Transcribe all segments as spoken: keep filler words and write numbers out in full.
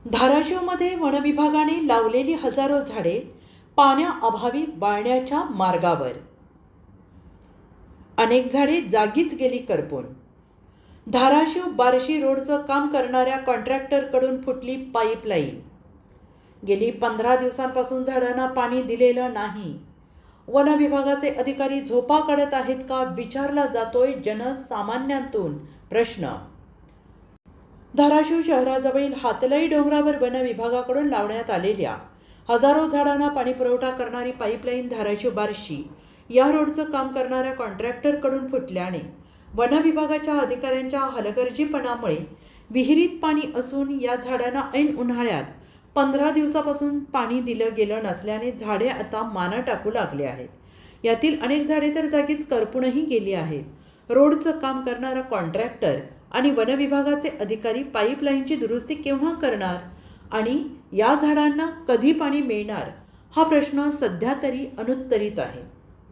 धाराशिवमध्ये वनविभागाने लावलेली हजारो झाडे पाण्याअभावी बाळण्याच्या मार्गावर. अनेक झाडे जागीच गेली करपून. धाराशिव बार्शी रोडचं काम करणाऱ्या कॉन्ट्रॅक्टरकडून फुटली पाईपलाईन. गेली पंधरा दिवसांपासून झाडांना पाणी दिलेलं नाही. वनविभागाचे अधिकारी झोपा काढत आहेत का, विचारला जातोय जनसामान्यांतून प्रश्न. धाराशिव शहराजवळील हातलाई डोंगरावर वन विभागाकडून लावण्यात आलेल्या हजारो झाडांना पाणी पुरवठा करणारी पाईपलाईन धाराशिव बार्शी या रोडचं काम करणाऱ्या कॉन्ट्रॅक्टरकडून फुटल्याने वन विभागाच्या अधिकाऱ्यांच्या हलगर्जीपणामुळे विहिरीत पाणी असून या झाडांना ऐन उन्हाळ्यात पंधरा दिवसापासून पाणी दिलं गेलं नसल्याने झाडे आता माना टाकू लागले आहेत. यातील अनेक झाडे तर जागीच करपूनही गेली आहेत. रोडचं काम करणारा कॉन्ट्रॅक्टर आणि वन विभागाचे अधिकारी पाईपलाईनची दुरुस्ती केव्हा करणार आणि या झाडांना कधी पाणी मिळणार हा प्रश्न सध्या तरी अनुत्तरित आहे.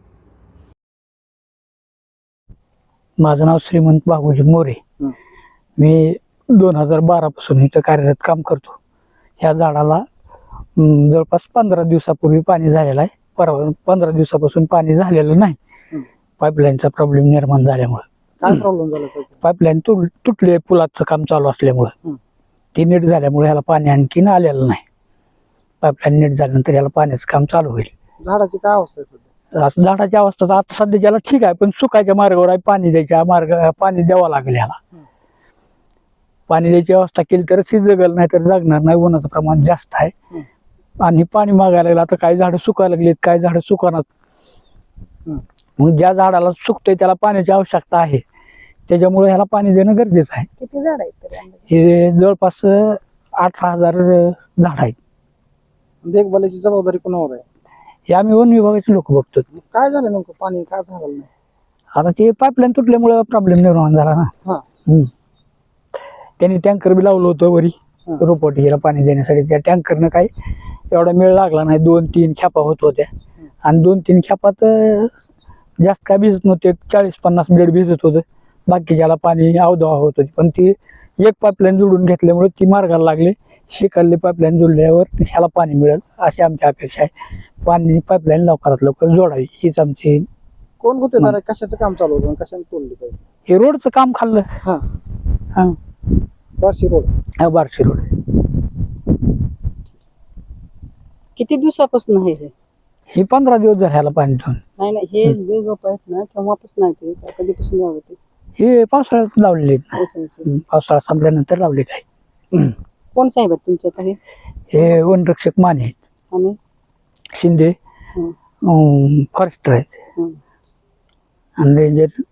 माझं नाव श्रीमंत बाबूजी मोरे. मी दोन हजार बारा पासून इथं कार्यरत काम करतो. ह्या झाडाला जवळपास पंधरा दिवसापूर्वी पाणी झालेलं आहे. परवा पंधरा दिवसापासून पाणी झालेलं नाही. पाईपलाईनचा प्रॉब्लेम निर्माण झाल्यामुळे. काय प्रॉब्लेम झाला? पाईपलाईन तुट तुटली पुलाचं काम चालू असल्यामुळं ती नीट झाल्यामुळे ह्याला पाणी आणखीन आलेलं नाही. पाईपलाईन नीट झाल्यानंतर ह्याला पाण्याचं काम चालू होईल. झाडाची काय अवस्था आहे सध्या? असं झाडाची अवस्था तर आता सध्या ज्याला ठीक आहे, पण सुकायच्या मार्गावर आहे. पाणी द्यायच्या मार्ग पाणी द्यावं लागेल ह्याला. पाणी द्यायची व्यवस्था केली तरच ही जगल, नाही तर जगणार नाही. उन्हाचं प्रमाण जास्त आहे आणि पाणी मागायला लागलं. आता काही झाडं सुकायला लागलीत, काही झाडं सुकणार. मग ज्या झाडाला सुकतंय त्याला पाण्याची आवश्यकता आहे, त्याच्यामुळे ह्याला पाणी देणं गरजेचं आहे. किती झाड आहेत? हे जवळपास अठरा हजार झाड आहेत. देखभालीची जबाबदारी कोणावर आहे? हे आम्ही वन विभागाचे लोक बघतो. काय झालं नेमकं? पाणी काय झालं नाही? आता ते पाईपलाईन तुटल्यामुळे प्रॉब्लेम निर्माण झाला ना. हम्म त्यांनी टँकर बी लावलं होतं वरी रोपवाटिकेला पाणी देण्यासाठी. त्या टँकरनं काही एवढा मेळ लागला नाही. दोन तीन खेपा होत होत्या आणि दोन तीन खेपात जास्त काय भिजत नव्हते. चाळीस पन्नास ब्लेड भिजत होतं. बाकीच्याला पाणी अवधवा होत होती. पण ती एक पाईपलाईन जोडून घेतल्यामुळे ती मार्गाला लागली. शिकायला पाईपलाईन जोडल्यावर ह्याला पाणी मिळेल अशी आमची अपेक्षा आहे. पाणी पाईपलाईन लवकरात लवकर जोडावी हीच आमची. कोण होते? कशाचं काम चालू होतं? कशाने तोडली पाहिजे? हे रोडचं काम खाल्लं. हा हा बार्शी रोड. हा बार्शी रोड. किती दिवसापासून आहे हे? हे पंधरा दिवस झाले ह्याला पाणी ठेवून. नाही नाही, हे जे गप आहेत ना केव्हापासून आहे ते? कधीपासून लावते? हे पावसाळ्यात लावलेले आहेत. पावसाळ्याचे. पावसाळा संपल्यानंतर लावले काही. कोण साहेब आहेत तुमच्यात? हे हे वनरक्षक माने आहेत आणि शिंदे फॉरेस्टर आहेत आणि रेंजर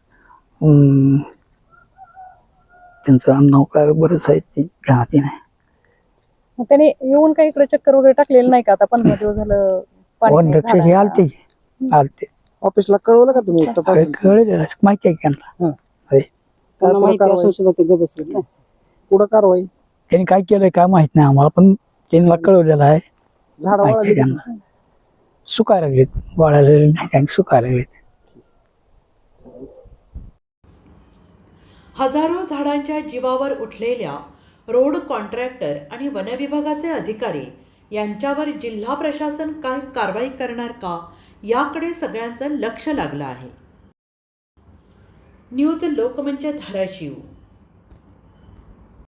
त्यांचं नाव काय बरंच आहे ते ध्यानात नाही. मग त्याने येऊन काही इकडे चक्कर वगैरे टाकलेलं नाही का? आता पंधरा दिवस झालं वनरक्षक हे आलते आलते ऑफिसला कळवलं का तुम्ही? कळलेलं माहिती आहे की त्यांना. त्यांना माहिती असून सुद्धा ते गप बसलेत ना. पुढं कारवाई त्यांनी काय केलंय काय माहित नाही आम्हाला, पण त्यांना कळवलेलं आहे. झाड माहिती आहे त्यांना. सुकायला लागलेत, वाळायला नाही, सुकायला लागलेत. हजारो झाडांच्या जीवावर उठलेल्या रोड कॉन्ट्रॅक्टर आणि वनविभागाचे अधिकारी यांच्यावर जिल्हा प्रशासन काय कारवाई करणार का याकडे सगळ्यांचं लक्ष लागलं आहे. न्यूज लोकमंच धाराशिव.